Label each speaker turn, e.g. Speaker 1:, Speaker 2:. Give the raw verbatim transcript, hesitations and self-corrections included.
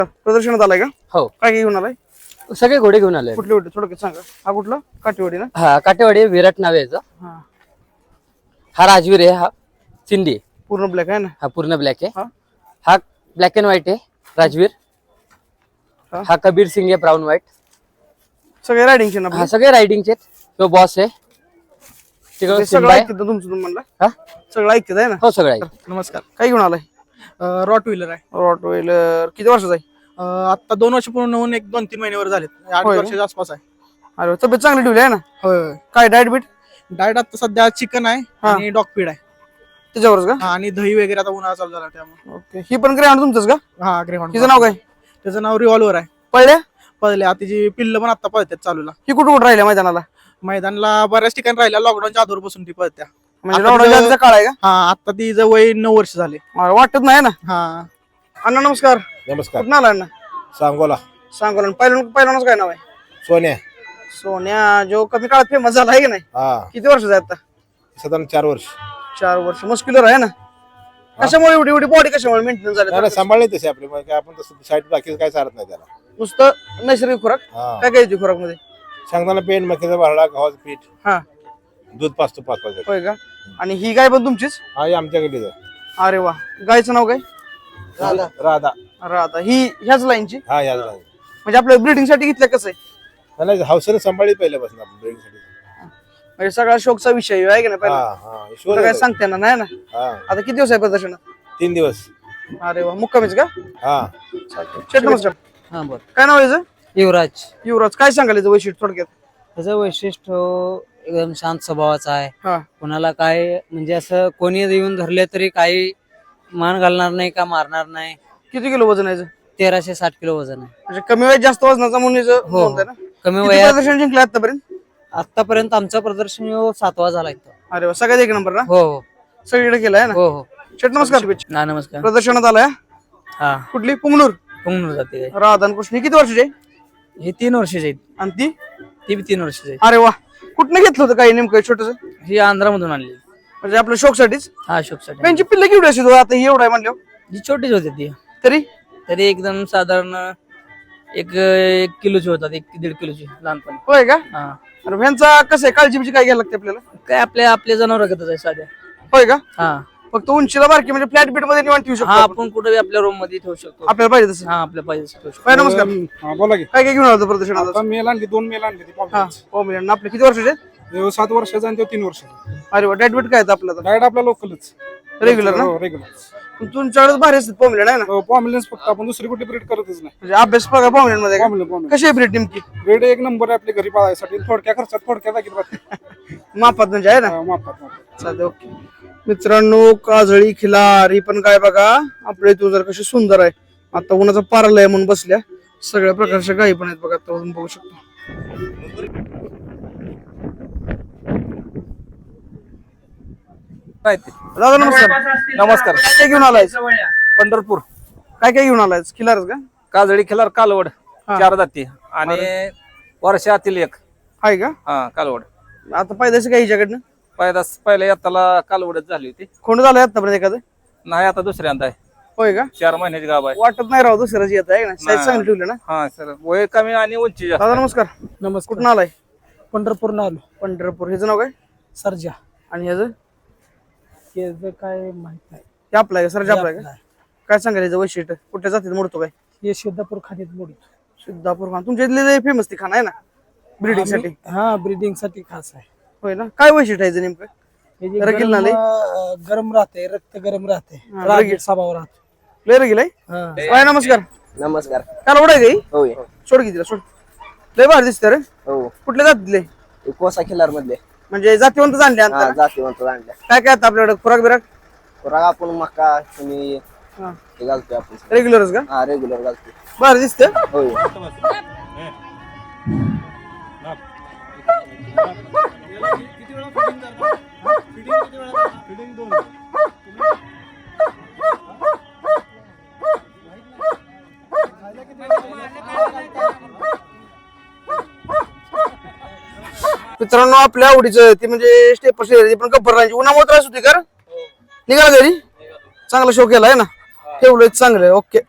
Speaker 1: प्रदर्शनात आलाय का?
Speaker 2: हो.
Speaker 1: काय घेऊन आलाय?
Speaker 2: सगळे घोडे घेऊन आले.
Speaker 1: कुठले होते थोडक्यात सांगा. हा कुठला? काटेवाडी ना?
Speaker 2: हा काटेवाडी विराट नाव आहे याचं.
Speaker 1: हा
Speaker 2: हा राजवीर आहे. हा सिंधी
Speaker 1: पूर्ण ब्लॅक आहे ना?
Speaker 2: हा पूर्ण ब्लॅक आहे.
Speaker 1: हा
Speaker 2: हा ब्लॅक अँड व्हाईट आहे राजवीर.
Speaker 1: हा.
Speaker 2: हा कबीर सिंग आहे ब्राऊन व्हाईट.
Speaker 1: सगळे रायडिंगचे ना?
Speaker 2: हा सगळे रायडिंगचे. तो बॉस आहे. तिकडे
Speaker 1: सगळं
Speaker 2: सिम्बा आहे.
Speaker 1: ऐकतं तुमचं तुम्ही म्हणला?
Speaker 2: हा
Speaker 1: सगळं ऐकत आहे ना?
Speaker 2: हो सगळं आहे.
Speaker 1: नमस्कार. काय घेऊन आलाय?
Speaker 3: रॉट व्हीलर आहे.
Speaker 1: रॉटवेलर किती वर्षाचा आहे?
Speaker 3: अं, आता दोन वर्ष पूर्ण होऊन एक दोन तीन महिन्यावर झालेत. आठ
Speaker 1: होय.
Speaker 3: वर्षाच्या आसपास आहे.
Speaker 1: अरे वा, तब्येत चांगली ठेवली आहे ना?
Speaker 3: होय.
Speaker 1: काय डाएट बीट
Speaker 3: डाएट आता सध्या चिकन आहे
Speaker 1: हा.
Speaker 3: आणि डॉग फीड आहे.
Speaker 1: त्याच्यावरच का?
Speaker 3: हा, आणि दही वगैरे आता उन्हाळा चालू झाला त्यामुळे.
Speaker 1: ओके. ही पण ग्रॅन्ड तुमचंच का?
Speaker 3: हा ग्रेहॉन्ड.
Speaker 1: हिचं नाव काय?
Speaker 3: त्याचं नाव रिव्हॉल्वर आहे.
Speaker 1: पळल्या
Speaker 3: पहिले आता तिची पिल्ल पण आता पळतात चालूला.
Speaker 1: ही कुठं कुठं राहिल्या मैदानाला?
Speaker 3: मैदानला बऱ्याच ठिकाणी राहिल्या. लॉकडाऊनच्या आधीपासून ती पळत्या.
Speaker 1: म्हणजे
Speaker 3: आता
Speaker 1: लॉकडाऊनच्या
Speaker 3: तिचं-
Speaker 1: आधीचा काळ आहे का?
Speaker 3: हा आता तिचं वय नऊ वर्ष झाले.
Speaker 1: मला वाटत नाही ना.
Speaker 3: हा
Speaker 1: अण्णा नमस्कार.
Speaker 4: नमस्कार.
Speaker 1: कुठं आला अण्णा?
Speaker 4: सांगोला
Speaker 1: सांगोला. पहिलं पहिल्यानंच काय नाव आहे?
Speaker 4: सोन्या.
Speaker 1: सोन्या जो कमी काळात फेमस झाला आहे की नाही?
Speaker 4: हा
Speaker 1: किती वर्षाचा आहे आता?
Speaker 4: साधारण चार वर्ष.
Speaker 1: चार वर्ष. मस्क्युलर आहे ना? कशामुळे एवढी एवढी बॉडी कशामुळे मेंटेन
Speaker 4: नाही नाही,
Speaker 1: झाली?
Speaker 4: सांभाळले तसे आपले मग काय आपण तसं साईड बाकी काय चालत नाही त्याला.
Speaker 1: नुसतं नैसर्गिक खुराक?
Speaker 4: हा
Speaker 1: काय काय येते खुराक मध्ये?
Speaker 4: शेंगदाणा पेंट मक्याचा भरडा गव्हाचं पीठ
Speaker 1: हा
Speaker 4: दूध पाचतो पाच पाच
Speaker 1: होय का? आणि ही गाय पण तुमचीच?
Speaker 4: हा हे आमच्याकडे
Speaker 1: अरे वा. गायचं नाव काय?
Speaker 4: राधा राधा
Speaker 1: राधा. ही ह्याच लाईनची
Speaker 4: हा या नाही
Speaker 1: म्हणजे आपल्या ब्रीडिंग साठी घेतलं कसं आहे?
Speaker 4: नाही, हौसेने सांभाळली पहिल्यापासून आपण ब्रेकसाठी.
Speaker 1: म्हणजे सगळा शोकचा विषय आहे की नाही?
Speaker 4: हा
Speaker 1: पहिला
Speaker 4: हा
Speaker 1: तुला
Speaker 4: शोध
Speaker 1: काय सांगते ना नाही ना?
Speaker 4: हा
Speaker 1: आता किती दिवस आहे प्रदर्शनात?
Speaker 4: तीन दिवस.
Speaker 1: अरे वा. मुक्कामीच का?
Speaker 4: हा
Speaker 1: शेट नमस्कार.
Speaker 2: हा बर.
Speaker 1: काय नाव आहे याचं?
Speaker 2: युवराज.
Speaker 1: युवराज. काय सांगाल याचं वैशिष्ट्य थोडक्यात?
Speaker 2: त्याचं वैशिष्ट्य एकदम शांत स्वभावाचा आहे.
Speaker 1: हा
Speaker 2: कोणाला काय म्हणजे असं कोणी येऊन धरले तरी काही मान घालणार नाही का मारणार नाही.
Speaker 1: किती किलो वजन आहे याचं?
Speaker 2: तेराशे साठ किलो वजन आहे.
Speaker 1: म्हणजे कमी वयात जास्त वजनाचा म्हणून याचं
Speaker 2: हो.
Speaker 1: नोंद आहे ना?
Speaker 2: कमी
Speaker 1: किती
Speaker 2: वयात
Speaker 1: प्रदर्शन जिंकलं आतापर्यंत?
Speaker 2: आतापर्यंत आमचं प्रदर्शन ह्यो सातवा झाला इथं.
Speaker 1: अरे वा. सगळ्यात एक नंबर ना?
Speaker 2: हो हो
Speaker 1: सगळीकडे केलाय ना?
Speaker 2: हो हो.
Speaker 1: शेट नमस्कार.
Speaker 2: ना नमस्कार.
Speaker 1: प्रदर्शनात आलाय?
Speaker 2: हा
Speaker 1: कुठली? पुंगनूर.
Speaker 2: पुंगनूर जाते.
Speaker 1: राधा आणि कृष्ण. ही किती वर्षाची आहे?
Speaker 2: हे तीन वर्षाचे आहेत.
Speaker 1: आणि ती?
Speaker 2: ती बी तीन वर्षाचे आहेत.
Speaker 1: अरे वा. कुठनं घेतलं होतं काही नेमकं छोटस?
Speaker 2: ही आंध्रामधून आणली.
Speaker 1: म्हणजे आपल्या शोकसाठीच?
Speaker 2: हा अशोकसाठी.
Speaker 1: त्यांची पिल्ल केवढी असेल हो? आता ही एवढं आहे म्हणल्यावर
Speaker 2: जी छोटीच होती ती.
Speaker 1: तरी?
Speaker 2: तरी एकदम साधारण एक एक किलोची होतात. एक दीड किलोची लहानपणी.
Speaker 1: होय का?
Speaker 2: हा
Speaker 1: अरे ह्यांचा कसं आहे? काळजी बिळजी काय घ्यायला लागते आपल्याला?
Speaker 2: काय आपल्या आपल्या जनावरांगतच आहे साध्या.
Speaker 1: होय का?
Speaker 2: हा
Speaker 1: फक्त उंचीला बारकी म्हणजे फ्लॅट बीट मध्ये निवांत ठेवू शकतो
Speaker 2: हा
Speaker 1: आपण.
Speaker 2: आपण कुठे आपल्या रूम मध्ये ठेवू शकतो.
Speaker 1: आपल्याला पाहिजे तसं.
Speaker 2: हा आपल्या पाहिजे ठेवू शकतो.
Speaker 1: काय नमस्कार.
Speaker 3: हा बोला की.
Speaker 1: काय काय घेऊन आलं प्रदर्शनात?
Speaker 3: आता मेल आणली दोन मेल आणली ती
Speaker 1: हा पॉम्बियन. आपले किती वर्षाचे आहेत?
Speaker 3: पाव- सात वर्षाचा आणि तो तीन वर्षाचा.
Speaker 1: अरे वा. डाएट बीट काय आहे आपलं?
Speaker 3: डाएट आपला लोकलच
Speaker 1: रेग्युलर ना?
Speaker 3: रेग्युलर.
Speaker 1: तुमच्याकडे भारी असतात पॉम्बियन आहे ना?
Speaker 3: पॉम्बिलन्स फक्त आपण दुसरी कुठे ब्रीड करतच नाही.
Speaker 1: म्हणजे अभ्यास बघा पॉम्बियन मध्ये का?
Speaker 3: पॉम्बिलन्स पॉम्बिलन्स
Speaker 1: कशी आहे ब्रीड नेमकी?
Speaker 3: ब्रीड एक नंबर आहे आपल्या घरी पाळायसाठी. थोडक्या खर्चात थोडक्या जागेत राहते.
Speaker 1: मापात म्हणजे आहे ना?
Speaker 3: हा, मापात मापात.
Speaker 1: चालते. ओके मित्रांनो. काजळी खिलार ही पण काय बघा आपल्या इथून जर कशी सुंदर आहे. आता उन्हाचा पारलाय म्हणून बसल्या. सगळ्या प्रकारच्या गायी पण आहेत बघा. आता तुम्ही बघू शकता. दादा नमस्कार.
Speaker 5: नमस्कार.
Speaker 1: काय काय घेऊन आलाय?
Speaker 5: पंढरपूर
Speaker 1: काय काय घेऊन आलाय? खिलारच का?
Speaker 5: काजळी खिलार कालवड
Speaker 1: हा.
Speaker 5: चार जाती आणि वर्षातील एक
Speaker 1: आहे का?
Speaker 5: हा कालवड.
Speaker 1: आता पायदाशी काय हिच्याकडनं?
Speaker 5: पहिलाच पहिल्या येताला कालवडच झाली होती.
Speaker 1: कोण झालंय आतापर्यंत एखादं?
Speaker 5: नाही आता दुसऱ्यांदा आहे.
Speaker 1: होय का?
Speaker 5: चार महिन्याची गाभ आहे.
Speaker 1: वाटत नाही राव दुसऱ्याच येत आहे ना? साईज
Speaker 5: नाही.
Speaker 1: चांगली ठेवली ना?
Speaker 5: हा सर वय कमी आणि उंची जास्त
Speaker 1: दादा
Speaker 5: आहे.
Speaker 1: नमस्कार.
Speaker 3: नमस्कार.
Speaker 1: कुठून आलाय?
Speaker 3: पंढरपूर आलो.
Speaker 1: पंढरपूर. ह्याचं नाव काय?
Speaker 3: सरजा.
Speaker 1: आणि ह्याचं?
Speaker 3: हे काय माहित नाही.
Speaker 1: हे आपलं आहे का? सरजा आपलं आहे का? काय सांगायला याचं वैशिष्ट्य? कुठल्या जातीत मोडतो काय?
Speaker 3: हे सिद्धापूर खाण्यात मोडतो.
Speaker 1: सिद्धापूर खान. तुमच्या इथले फेमस ती खाना आहे ना ब्रीडिंग साठी?
Speaker 3: हा ब्रीडिंग साठी खास आहे.
Speaker 1: होय ना? काय वैशिष्ट्य आहे याचं नेमकं?
Speaker 3: हे जे
Speaker 1: रगील
Speaker 3: गरम,
Speaker 1: नाले?
Speaker 3: अं, गरम राहते, रक्त गरम राहते,
Speaker 1: हा,
Speaker 3: रागीट
Speaker 1: रगील.
Speaker 3: स्वभाव राहतो.
Speaker 1: लय रगील आहे?
Speaker 3: हा.
Speaker 1: काय नमस्कार.
Speaker 6: नमस्कार.
Speaker 1: काल उडाय गई
Speaker 6: होय
Speaker 1: सोड की तिला सोड. लय भारी दिसते रे.
Speaker 6: हो
Speaker 1: कुठल्या जातीतले?
Speaker 6: कोसा खिलार मधले.
Speaker 1: म्हणजे जातीवंत जाणले
Speaker 6: हा
Speaker 1: आता?
Speaker 6: जातीवंत आणल्या.
Speaker 1: काय काय आता आपल्याकडे खुराक बिराक?
Speaker 6: खुराक आपण मका तुम्ही
Speaker 1: हा.
Speaker 6: हे घालतोय आपण.
Speaker 1: रेग्युलरच का?
Speaker 6: हा रेग्युलर घालतोय.
Speaker 1: भारी दिसते.
Speaker 6: होय.
Speaker 1: मित्रांनो आपल्या आवडीचं ती म्हणजे स्टेपर शेअर पण गब्बर राहायची. उन्हामुळे त्रास होती का? निघाला घरी? चांगला शो केलाय ना? ठेवलंय चांगलं. ओके.